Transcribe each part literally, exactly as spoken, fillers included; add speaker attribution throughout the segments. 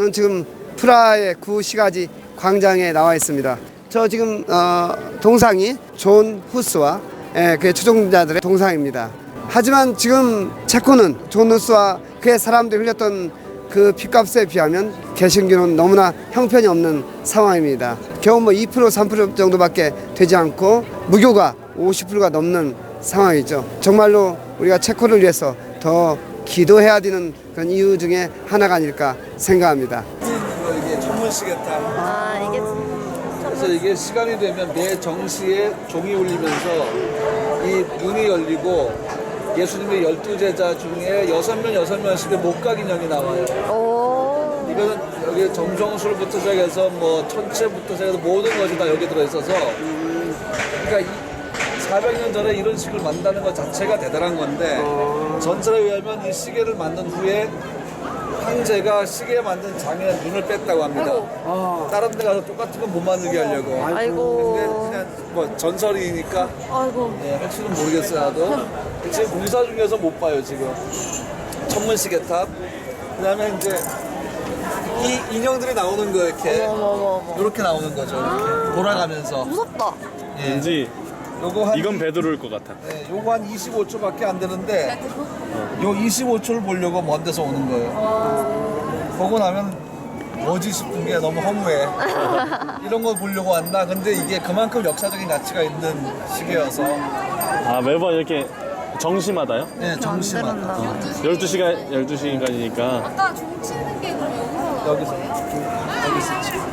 Speaker 1: 저는 지금 프라하의 구시가지 광장에 나와 있습니다. 저 지금 어, 동상이 존 후스와 예, 그의 추종자들의 동상입니다. 하지만 지금 체코는 존 후스와 그의 사람들이 흘렸던 그 핏값에 비하면 개신교는 너무나 형편이 없는 상황입니다. 겨우 뭐 이 퍼센트 삼 퍼센트 정도밖에 되지 않고 무교가 오십 퍼센트가 넘는 상황이죠. 정말로 우리가 체코를 위해서 더 기도해야 되는 그런 이유 중에 하나가 아닐까 생각합니다.
Speaker 2: 이게 천문시계탑.
Speaker 3: 아 이게
Speaker 2: 그래서 이게 시간이 되면 매 정시에 종이 울리면서 이 문이 열리고 예수님의 열두 제자 중에 여섯 명 여섯 명씩의 목각 인형이 나와요.
Speaker 3: 오
Speaker 2: 이거는 여기 정성술부터 시작해서 뭐 천체부터 시작해서 모든 것이 다 여기 들어있어서 그러니까 이 사백 년 전에 이런 식을 만드는 것 자체가 대단한 건데 전설에 의하면 이 시계를 만든 후에 황제가 시계 만든 장에 눈을 뺐다고 합니다.
Speaker 1: 아,
Speaker 2: 다른 데 가서 똑같은 건 못 만들게 하려고. 근데
Speaker 3: 아이고
Speaker 2: 그냥 뭐 전설이니까
Speaker 3: 아이고
Speaker 2: 네, 확실히 모르겠어요. 나도. 지금 공사 중에서 못 봐요 지금. 천문시계탑. 그다음에 이제 이 인형들이 나오는 거 이렇게
Speaker 3: 어머머머
Speaker 2: 이렇게 나오는 거죠. 이렇게 돌아가면서.
Speaker 3: 무섭다.
Speaker 2: 예.
Speaker 4: 왠지
Speaker 2: 요거 한
Speaker 4: 이건 배도를 것 같아.
Speaker 2: 네, 요거 한 이십오 초밖에 안 되는데 요 이십오 초를 보려고 먼 데서 오는 거예요. 보고 나면 뭐지 싶은 게 너무 허무해. 이런 거 보려고 왔나? 근데 이게 그만큼 역사적인 가치가 있는 시계여서
Speaker 4: 아 매번 이렇게 정시마다요?
Speaker 2: 네, 정시마다
Speaker 4: 열두 시간 열두 시간이니까.
Speaker 5: 아까 종 치는 게 그럼 여기서
Speaker 2: 여기서 여기서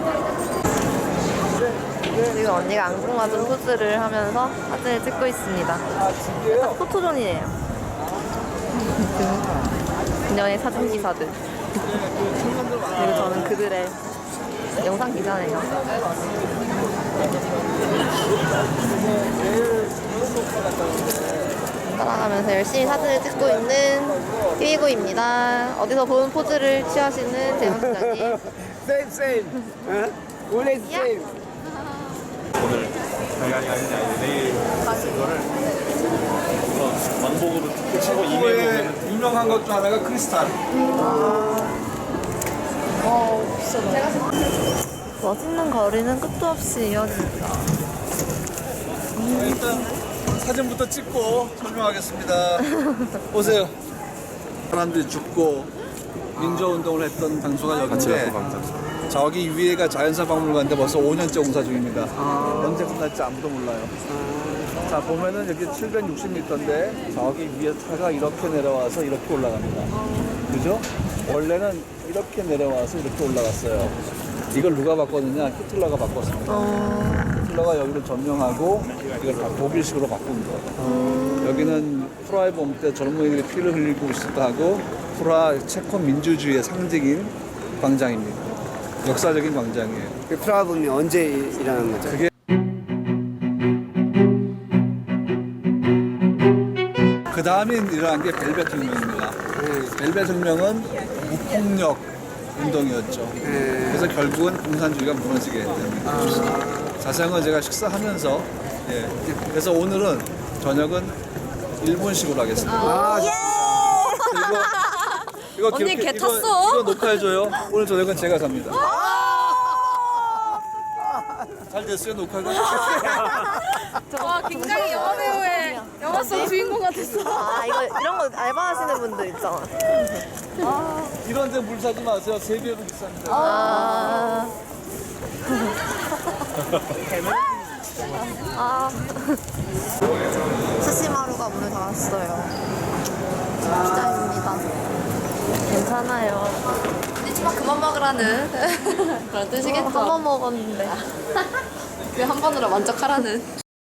Speaker 3: 지금 언니가 앙증맞은 포즈를 하면서 사진을 찍고 있습니다. 딱 포토존이에요. 그녀의 사진 기사들. 그리고 저는 그들의 영상 기자네요. 따라가면서 열심히 사진을 찍고 있는 휘이고입니다. 어디서 본 포즈를 취하시는 재무 기자님.
Speaker 1: same same. always same.
Speaker 4: 오늘 당연히 아니지 아니 내일 이거를 왕복으로 특히 차고
Speaker 2: 이거의
Speaker 4: 이메일
Speaker 2: 유명한 것 중 하나가 크리스탈.
Speaker 3: 멋있는 거리는 끝도 없이 이어집니다.
Speaker 2: 일단 사진부터 찍고 설명하겠습니다. 보세요. 사람들이 죽고 민주운동을 했던 장소가 여기인데 저기 위에가 자연사 박물관인데 벌써 오 년째 공사 중입니다. 언제 끝날지 아무도 몰라요. 자 보면은 여기 칠백육십 미터인데 저기 위에 차가 이렇게 내려와서 이렇게 올라갑니다. 그죠? 원래는 이렇게 내려와서 이렇게 올라갔어요. 이걸 누가 바꿨느냐? 히틀러가 바꿨습니다. 히틀러가 여기를 점령하고 이걸 다 독일식으로 바꾼 거예요. 여기는 프라하의 봄 때 젊은이들이 피를 흘리고 있었다 하고 프라하 체코 민주주의의 상징인 광장입니다. 역사적인 광장이에요.
Speaker 1: 그 프라하 붐이 언제 일- 일어난 거죠?
Speaker 2: 그게 그 다음에 일어난 게 벨벳 혁명입니다. 벨벳 혁명은 무폭력 운동이었죠.
Speaker 1: 예.
Speaker 2: 그래서 결국은 공산주의가 무너지게 됩니다. 자세한 건 제가 식사하면서 예. 그래서 오늘은 저녁은 일본식으로 하겠습니다.
Speaker 1: 아,
Speaker 2: 이거 이거
Speaker 5: 언니
Speaker 2: 기록해-
Speaker 5: 개
Speaker 2: 이거-
Speaker 5: 탔어?
Speaker 2: 이거 녹화해줘요. 오늘 저녁은 제가 삽니다. 잘 됐어요 녹화가?
Speaker 5: 와 굉장히 영화 배우의 영화 속 주인공 같았어.
Speaker 3: 아 이거 이런 거 알바하시는 분들 있잖아.
Speaker 2: 이런데 물 사지 마세요. 세 배로 비쌉니다.
Speaker 3: 아. 아. 스시마루가 문을 닫았어요. 피자입니다. 괜찮아요.
Speaker 5: 이지만 그만 먹으라는 그런 뜻이겠죠.
Speaker 3: 한 번 먹었는데.
Speaker 5: 그 한 번으로 만족하라는.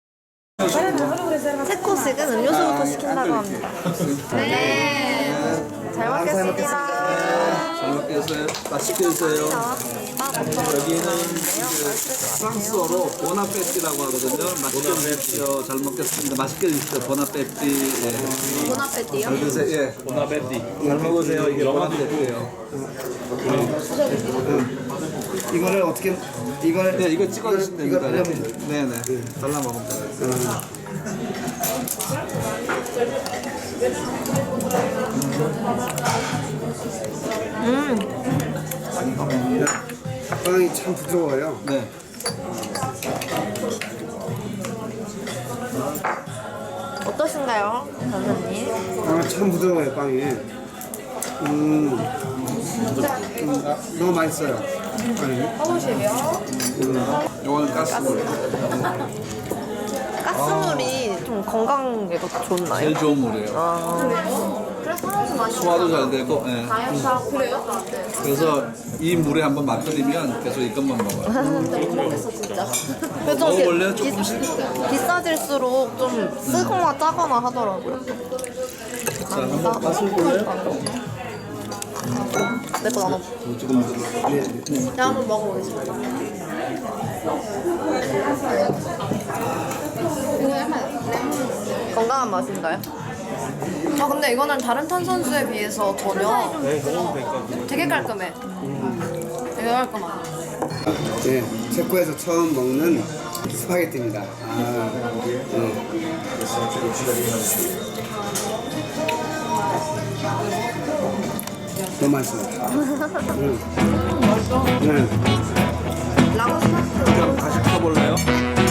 Speaker 3: 체코식은 음료수부터 시킨다고 합니다. 네. 잘 먹겠습니다.
Speaker 2: 잘 먹겠어요. 맛있게 드세요. 여기는 그 프랑스어로 보나페티라고 하거든요. 맛있게 드십시오. 잘 먹겠습니다. 맛있게 드십시오. 보나페티. 예.
Speaker 3: 보나페티요?
Speaker 2: 잘 드세요. 예.
Speaker 4: 보나베티.
Speaker 2: 잘 먹으세요. 이게 보나페티예요.
Speaker 1: 이거를 어떻게 이걸
Speaker 2: 네, 이거 찍어 주시면
Speaker 1: 이거
Speaker 2: 됩니다.
Speaker 1: 발라보세요.
Speaker 2: 네, 네. 잘라 먹으면 돼요.
Speaker 1: 빵이 참 부드러워요.
Speaker 2: 네.
Speaker 3: 어떠신가요, 선생님?
Speaker 1: 아, 참 부드러워요, 빵이. 음, 음, 아, 너무 맛있어요. 빵이.
Speaker 2: 요거는 가스물.
Speaker 3: 가스물이 좀 건강에도 좋나요?
Speaker 2: 제일 좋은 물이에요.
Speaker 3: 아,
Speaker 2: 소화도 잘 되고. 예. 그래서 이 물에 한번 맛들이면 계속 이것만 먹어요.
Speaker 3: 그래서 좀
Speaker 2: 어, 원래
Speaker 3: 이렇게
Speaker 2: 조금씩.
Speaker 3: 비, 비싸질수록 좀 쓰거나 짜거나 하더라고요.
Speaker 2: 자, 한번 맛을 볼래요?
Speaker 3: 내거 나눠. 제가 한번 먹어보겠습니다. 건강한 맛인가요?
Speaker 5: 아 근데 이거는 다른 탄산수에 비해서 전혀 되게 깔끔해. 되게 깔끔하다.
Speaker 1: 예, 체코에서 처음 먹는 스파게티입니다. 아, 예. 너무 맛있어요. 음. 네.
Speaker 2: 그럼 다시 타볼래요?